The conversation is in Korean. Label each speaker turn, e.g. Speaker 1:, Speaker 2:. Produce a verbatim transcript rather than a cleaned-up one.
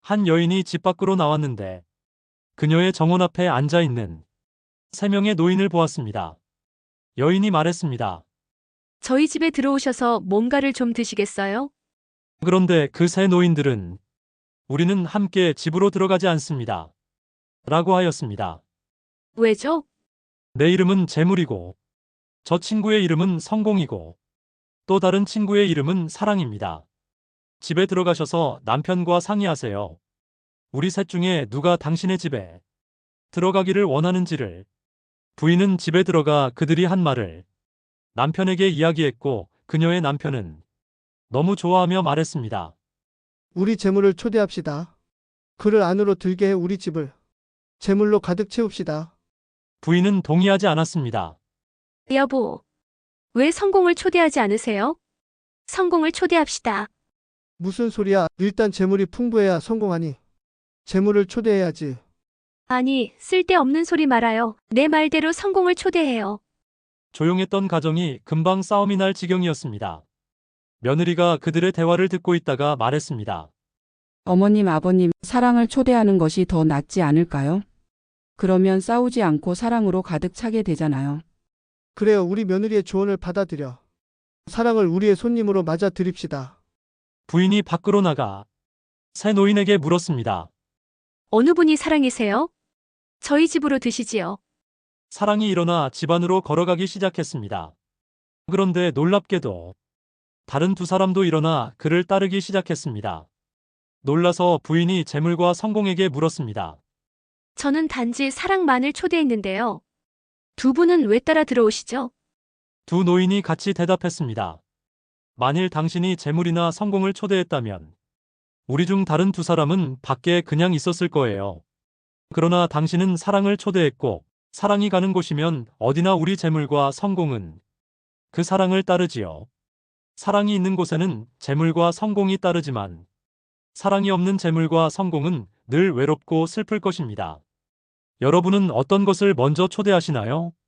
Speaker 1: 한 여인이 집 밖으로 나왔는데 그녀의 정원 앞에 앉아 있는 세 명의 노인을 보았습니다. 여인이 말했습니다.
Speaker 2: 저희 집에 들어오셔서 뭔가를 좀 드시겠어요?
Speaker 1: 그런데 그 세 노인들은 우리는 함께 집으로 들어가지 않습니다. 라고 하였습니다.
Speaker 2: 왜죠?
Speaker 1: 내 이름은 재물이고 저 친구의 이름은 성공이고 또 다른 친구의 이름은 사랑입니다. 집에 들어가셔서 남편과 상의하세요. 우리 셋 중에 누가 당신의 집에 들어가기를 원하는지를. 부인은 집에 들어가 그들이 한 말을 남편에게 이야기했고 그녀의 남편은 너무 좋아하며 말했습니다.
Speaker 3: 우리 재물을 초대합시다. 그를 안으로 들게 해 우리 집을 재물로 가득 채웁시다.
Speaker 1: 부인은 동의하지 않았습니다.
Speaker 2: 여보, 왜 성공을 초대하지 않으세요? 성공을 초대합시다.
Speaker 3: 무슨 소리야? 일단 재물이 풍부해야 성공하니. 재물을 초대해야지.
Speaker 2: 아니, 쓸데없는 소리 말아요. 내 말대로 성공을 초대해요.
Speaker 1: 조용했던 가정이 금방 싸움이 날 지경이었습니다. 며느리가 그들의 대화를 듣고 있다가 말했습니다.
Speaker 4: 어머님, 아버님, 사랑을 초대하는 것이 더 낫지 않을까요? 그러면 싸우지 않고 사랑으로 가득 차게 되잖아요.
Speaker 3: 그래요. 우리 며느리의 조언을 받아들여. 사랑을 우리의 손님으로 맞아 드립시다.
Speaker 1: 부인이 밖으로 나가 새 노인에게 물었습니다.
Speaker 2: 어느 분이 사랑이세요? 저희 집으로 드시지요.
Speaker 1: 사랑이 일어나 집 안으로 걸어가기 시작했습니다. 그런데 놀랍게도 다른 두 사람도 일어나 그를 따르기 시작했습니다. 놀라서 부인이 재물과 성공에게 물었습니다.
Speaker 2: 저는 단지 사랑만을 초대했는데요. 두 분은 왜 따라 들어오시죠?
Speaker 1: 두 노인이 같이 대답했습니다. 만일 당신이 재물이나 성공을 초대했다면 우리 중 다른 두 사람은 밖에 그냥 있었을 거예요. 그러나 당신은 사랑을 초대했고 사랑이 가는 곳이면 어디나 우리 재물과 성공은 그 사랑을 따르지요. 사랑이 있는 곳에는 재물과 성공이 따르지만 사랑이 없는 재물과 성공은 늘 외롭고 슬플 것입니다. 여러분은 어떤 것을 먼저 초대하시나요?